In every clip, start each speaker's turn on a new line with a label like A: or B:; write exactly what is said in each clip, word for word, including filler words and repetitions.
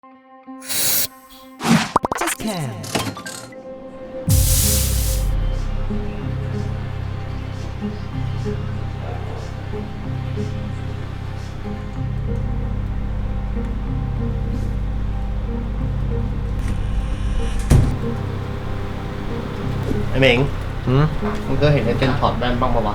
A: Just can
B: ไอ้เหม่ง
C: หืม
B: มึงเคยเห็นไอ้เจนถอดแว่นบ้างปะวะ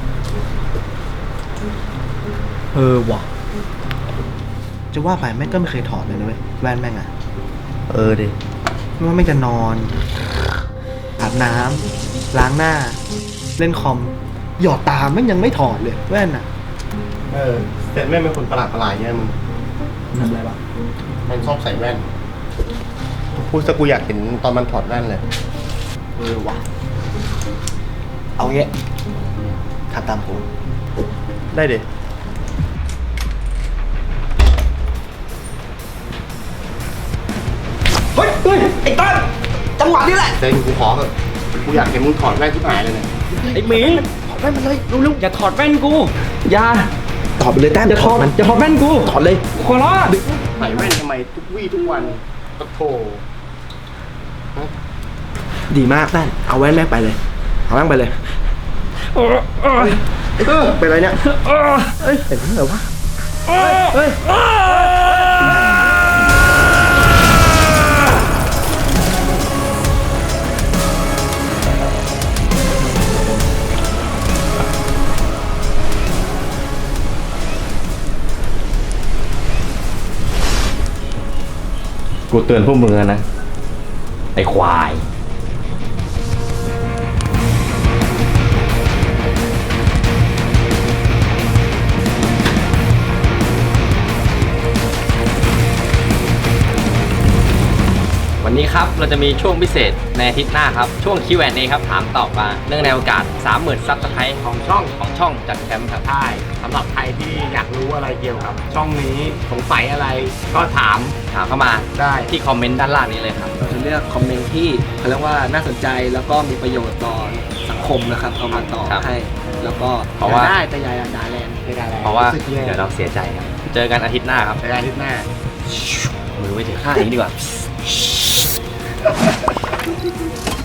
C: เออว่ะจะว่าไปแม่งก็ไม่เคยถอดเลยนะเว้ยแว่นแม่งอะ
B: เออดิ
C: ไม่ว่าแม่งจะนอนอาบน้ำล้างหน้า เล่นคอม หยอดตาแม่งยังไม่ถอดเลยแว่นอะ
B: เออเซนแม่งเป็นคนประหลาดประหลาดเนี่ยมึง
C: ทำอะไรวะ
B: มันชอบใส่แว่นพูดซะกูอยากเห็นตอนมันถอดแว่นเลย
C: เออว่ะเอาเงี้ยทำตามกู
B: ได้ดิ
C: เฮ้ยเฮ้ยไอ้ต้นจังหวะนี้แหละ
B: เซนกูขอเถอะกูอยากเห็นมึงถอดแว่นที่หายเลยเนี่ย
D: ไอ้หมิง
C: ถอดแว่นมันเลยเร็ว
D: อย่าถอดแว่นกู อย่า
C: ๆถอดไปเลยแต้ม
D: อย่าถอด
C: มัน
D: อย่าถอดแว่นกู
C: ถอดเลย
D: ขอร้อง
B: ใส่แว่นทำไมทุกวี่ทุกวันปะโถ
C: ดีมากแต้มเอาแว่นแม่งไปเลยเอาแว่นไปเลย
D: เออเออ
C: เออเป็นไรเนี่ย
D: เออ
C: เอ้ยเป็นไรวะ
D: เออ
C: เฮ้ย
D: กูเตือนพวกมึงแล้วนะ ไอ้ควาย วันนี้ครับเราจะมีช่วงพิเศษในอาทิตย์หน้าครับช่วง คิว แอนด์ เอ ครับถามตอบมาเนื่องในโอกาส สามหมื่น ซับสไครต์ของช่องของช่องจัดแคมป์ครับ
E: ใช่สำหรับใครที่อยากรู้อะไรเกี่ยวกับ ช่องนี้สงสัยอะไรก็ถาม
D: ถามเข้ามา
E: ได้
D: ที่คอมเมนต์ด้านล่างนี้เลยครับ
C: เราจะเลือกคอมเมนต์ที่เขาเรียกว่าน่าสนใจแล้วก็มีประโยชน์ต่อสังคมนะครับเอามาตอบ
D: ครับ
C: ให้ แล้วก็
D: เพราะว่า
C: ได้แต่อยาด่าแรง
E: ไม่ได้แล้ว
D: เพราะว่า
E: สึกแย่
D: เดี๋ยวเราเสียใจครับ เจอกันอาทิตย์หน้าครับ
E: ในอาทิตย์หน้า
D: มือไว้ถือข้างนี้ดีกว่า